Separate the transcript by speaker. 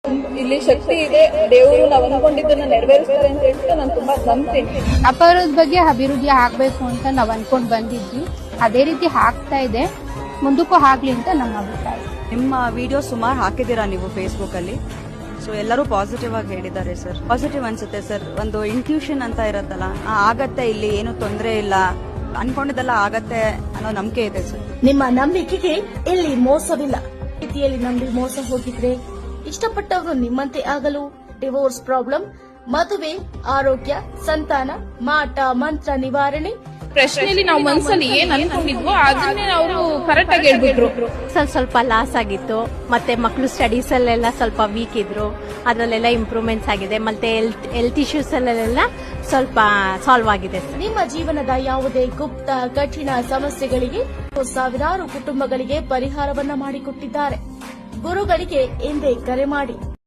Speaker 1: ಇಲ್ಲಿ ಶಕ್ತಿ ಇದೆ, ದೇವರು ನಾವು ಅನ್ಕೊಂಡಿದ್ದನ್ನ ನೆರವೇರಿಸ್ತಾರೆ ಅಂತ ಹೇಳ್ಬಿಟ್ಟು ನಾನು ತುಂಬಾ ನಂಬ್ತೀನಿ.
Speaker 2: ಅಪರಾಧದ ಬಗ್ಗೆ ಅಭಿವೃದ್ಧಿ ಆಗ್ಬೇಕು ಅಂತ ನಾವ್ ಅನ್ಕೊಂಡ್ ಬಂದಿದ್ವಿ, ಅದೇ ರೀತಿ ಆಗ್ತಾ ಇದೆ, ಮುಂದಕ್ಕೂ ಆಗ್ಲಿ ಅಂತ ನಮ್ಮ ಅಭಿಪ್ರಾಯ.
Speaker 3: ನಿಮ್ಮ ವಿಡಿಯೋ ಸುಮಾರು ಹಾಕಿದ್ದೀರಾ ನೀವು ಫೇಸ್ಬುಕ್ ಅಲ್ಲಿ, ಸೊ ಎಲ್ಲರೂ ಪಾಸಿಟಿವ್ ಆಗಿ ಹೇಳಿದ್ದಾರೆ ಸರ್. ಪಾಸಿಟಿವ್ ಅನ್ಸುತ್ತೆ ಸರ್. ಒಂದು ಇನ್ಕ್ಯೂಷನ್ ಅಂತ ಇರತ್ತಲ್ಲ, ಆಗತ್ತೆ, ಇಲ್ಲಿ ಏನು ತೊಂದರೆ ಇಲ್ಲ, ಅನ್ಕೊಂಡಿದ್ದೆಲ್ಲ ಆಗತ್ತೆ ಅನ್ನೋ ನಂಬಿಕೆ ಇದೆ ಸರ್.
Speaker 4: ನಿಮ್ಮ ನಂಬಿಕೆಗೆ ಇಲ್ಲಿ ಮೋಸವಿಲ್ಲ. ರೀತಿಯಲ್ಲಿ ನಂಬಿ ಮೋಸ ಹೋಗಿದ್ರೆ ಇಷ್ಟಪಟ್ಟವರು ನಿಮ್ಮಂತೆ ಆಗಲು ಡಿವೋರ್ಸ್ ಪ್ರಾಬ್ಲಮ್, ಮದುವೆ, ಆರೋಗ್ಯ, ಸಂತಾನ, ಮಾಟ ಮಂತ್ರ ನಿವಾರಣೆ
Speaker 1: ಪ್ರಶ್ನೆಯಲ್ಲಿ ನಾವು ಮನಸ್ಸಲ್ಲಿ ಏನ್ ಅನ್ಕೊಂಡಿದ್ವೋ ಅದನ್ನೇ ಅವರು ಕರೆಕ್ಟ್ ಆಗಿ ಹೇಳ್ಬಿಟ್ರು.
Speaker 5: ಸ್ವಲ್ಪ ಲಾಸ್ ಆಗಿತ್ತು, ಮತ್ತೆ ಮಕ್ಕಳು ಸ್ಟಡೀಸ್ ಅಲ್ಲೆಲ್ಲ ಸ್ವಲ್ಪ ವೀಕ್ ಇದ್ರು, ಅದರಲ್ಲೆಲ್ಲ ಇಂಪ್ರೂವ್ಮೆಂಟ್ಸ್ ಆಗಿದೆ, ಮತ್ತೆ ಹೆಲ್ತ್ ಇಶ್ಯೂಸ್ ಅಲ್ಲೆಲ್ಲ ಸ್ವಲ್ಪ ಸಾಲ್ವ್ ಆಗಿದೆ.
Speaker 4: ನಿಮ್ಮ ಜೀವನದ ಯಾವುದೇ ಗುಪ್ತ ಕಠಿಣ ಸಮಸ್ಯೆಗಳಿಗೆ ಸಾವಿರಾರು ಕುಟುಂಬಗಳಿಗೆ ಪರಿಹಾರವನ್ನ ಮಾಡಿಕೊಟ್ಟಿದ್ದಾರೆ. ಗುರುಗಳಿಗೆ ಎಂದೇ ಕರೆ ಮಾಡಿ.